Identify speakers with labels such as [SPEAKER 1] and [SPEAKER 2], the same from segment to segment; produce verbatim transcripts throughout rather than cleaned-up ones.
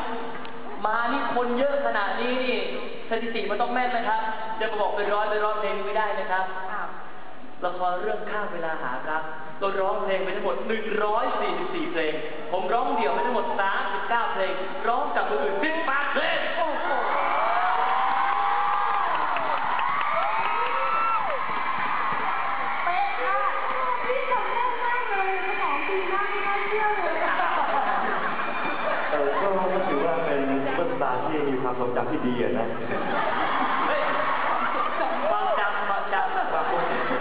[SPEAKER 1] มานี่คนเยอะขนาดนี้นี่สถิติมันต้องแม่นนะครับจะมาบอกเป็นร้อยเป็นร้อยเพลงไม่ได้นะครับละครเรื่องข้ามเวลาหารักเราร้องเพลงไปทั้งหมดหนึ่งร้อยสี่สิบสี่เพลงผมร้องเดี่ยวไปทั้งหมดสามสิบเก้าเพลงร้องกับคนอื่นสิบแปดเพลงโอ้โห
[SPEAKER 2] เป๊ะมากพี่จำแม่นมากเลยสมองดีมากไม่น่าเชื่อเลย
[SPEAKER 3] เออก็ถือว่าเป็นซุปเปอร์สตาร์ที่มีความทรงจำที่ดีอะนะ
[SPEAKER 1] บางจำบางจำบางคน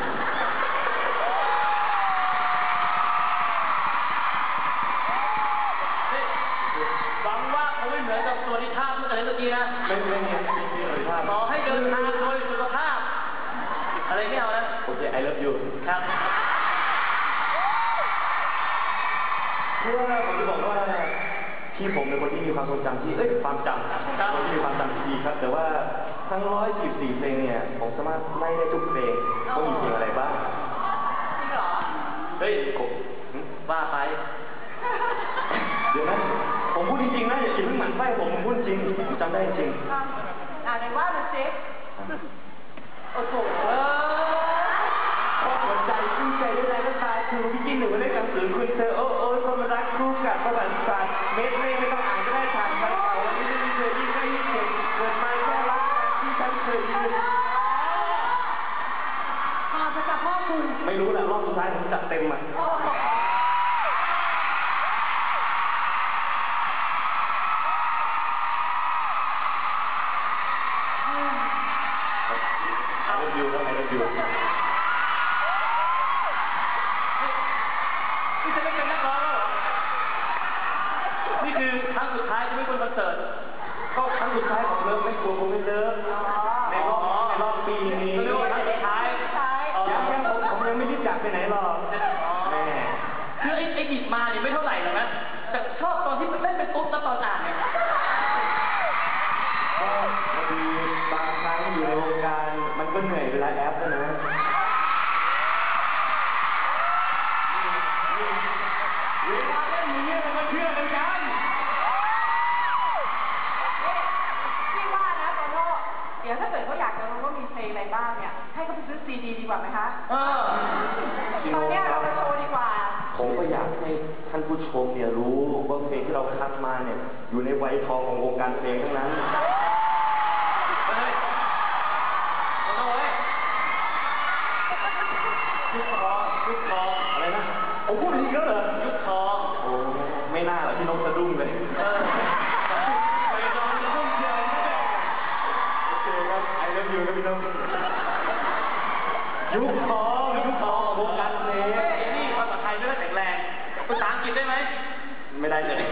[SPEAKER 1] หวังว่าเขาไม่เหมือนกับตัวที่ท่าเมื่อไหร่เมื่อกี้นะ
[SPEAKER 3] ไม่ไม่ไม่ไม่ไม่เลยท่า
[SPEAKER 1] ขอให้เดินทางโดยสุขภาพอะไรไม่เอานะ
[SPEAKER 3] โอเค I love you
[SPEAKER 1] ครับ
[SPEAKER 3] เพื่อผมจะบอกว่าที่ผมเป็นคนที่มีความทรงจำที่เอ้ยความจำคนที่มีความจำที่ดีครับแต่ว่าทั้งร้อยสิบสี่เพลงเนี่ยผมสามารถไล่ได้ทุกเพลงว่ามีเพลงอะไรบ้าง
[SPEAKER 2] จริงเหรอ
[SPEAKER 1] เฮ้ยว่าไป
[SPEAKER 3] เดี๋ยวนะผมพูดจริงๆนะอย่าคิดเพิ่งหมั่นไส้ผมผมพูดจริงผมจำได้จริง
[SPEAKER 2] อ่าในว่าดูสิโอ้โห
[SPEAKER 3] พอหัวใจชื่นใจได้แรงก็ตายคือพี่กินหนึ่งมาได้หนังสือคุณเธอโอ้โอ้คนมารักคู่กับประวัติศาสตร์เม็ดไม่ไม่ต้องอ่านก็ได้ผ่านไปเก่าวันนี้ไม่เคยยิ่งได้ยิ่งเก่งเกิดมาแค่รักที่ฉันเคยยืน
[SPEAKER 2] มาจะจับพ่อคุณ
[SPEAKER 3] ไม่รู้แหละรอบสุดท้ายผมจัดเต็มอ่ะอยู่แล้วไงเราอยู่
[SPEAKER 1] นี่จะไม่เป็นนักร้องแล้วเหรอนี่คือครั้งสุดท้ายที่ไม่บนคอนเสิร์ต
[SPEAKER 3] ก็ครั้งสุดท้ายของเลิฟไม่กลัวผมไม่เลิฟในรอบในรอบปีนี้
[SPEAKER 1] ครั้งสุดท้าย
[SPEAKER 3] ยังยังผมผมยังไม่รีบจากไปไหนหรอกแม่
[SPEAKER 1] คือไอ้ไอ้บิดมาเนี่ยไม่เท่าไหร่หรอกนะแต่ชอบตอนที่มันเล่นเป็นตุ๊ดแล้วตอนอ่านเนี่ย
[SPEAKER 3] ก็บางทีบางครั้งอยู่ในวงการมันก็เหนื่อยเวลาแอปนะเวลาเล่นอย่างนี้มันก็เชื่อกันกัน
[SPEAKER 2] พี่ว่านะโตโน่เดี๋ยวถ้าเกิดเขาอยากจะรู้ว่ามีเพลงอะไรบ้างเนี่ยให้เขาไปซื้อซีดีดีกว่าไหมคะ
[SPEAKER 1] เออ
[SPEAKER 2] ตอนนี้เราไปโชว์ดีกว่า
[SPEAKER 3] ผมก็อยากให้ท่านผู้ชมเนี่ยรู้ว่าเพลงที่เราคัดมาเนี่ยอยู่ในวัยทองของวงการเพลงทั้งนั้น
[SPEAKER 1] ยุคทองยุคทอง
[SPEAKER 3] อะไรนะผมพูดอีกแล้วเหรอ
[SPEAKER 1] ยุคทอง
[SPEAKER 3] โอ้ไม่น่าหรอกที่น้องสะดุ้งเลย
[SPEAKER 1] เออไปลองสะดุ้งเลย
[SPEAKER 3] โอเคครับ I love you นะพี่น้องยุคทองยุคทองวงการเพลง
[SPEAKER 1] นี่ภาษาไทยไม่ได้แข็งแรงภาษาอังกฤษได้ไหม
[SPEAKER 3] ไม่ได้เลย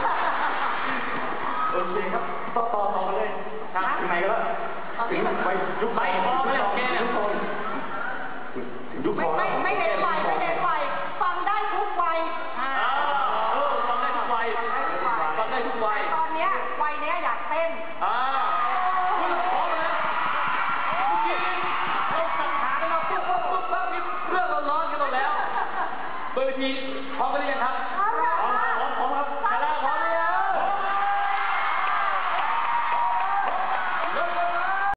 [SPEAKER 3] โอเคครับต่อต่อต่อมาเลยถึงไหนก็แล้วถึงไปยุคใบทอง
[SPEAKER 1] ไม่โอเค
[SPEAKER 3] ยุคทองยุคทอง
[SPEAKER 2] ไม่ไม่เน้นวัยไม่เน้นวัยฟังได้ทุกวัย
[SPEAKER 1] อ่าเออฟังได้ทุกวัยฟังได้ทุกวัย
[SPEAKER 2] ตอนเนี้ยวัยเนี้ยอยากเต้น
[SPEAKER 1] อ่าคุณพร้อมเลยเมื่อกี้เราสังหารกันมาปุ๊บปุ๊บปุ๊บปุ๊บเรื่องร้อนๆกันหมดแล้วเบอร์ทีพร้อมกันหรือยังครับ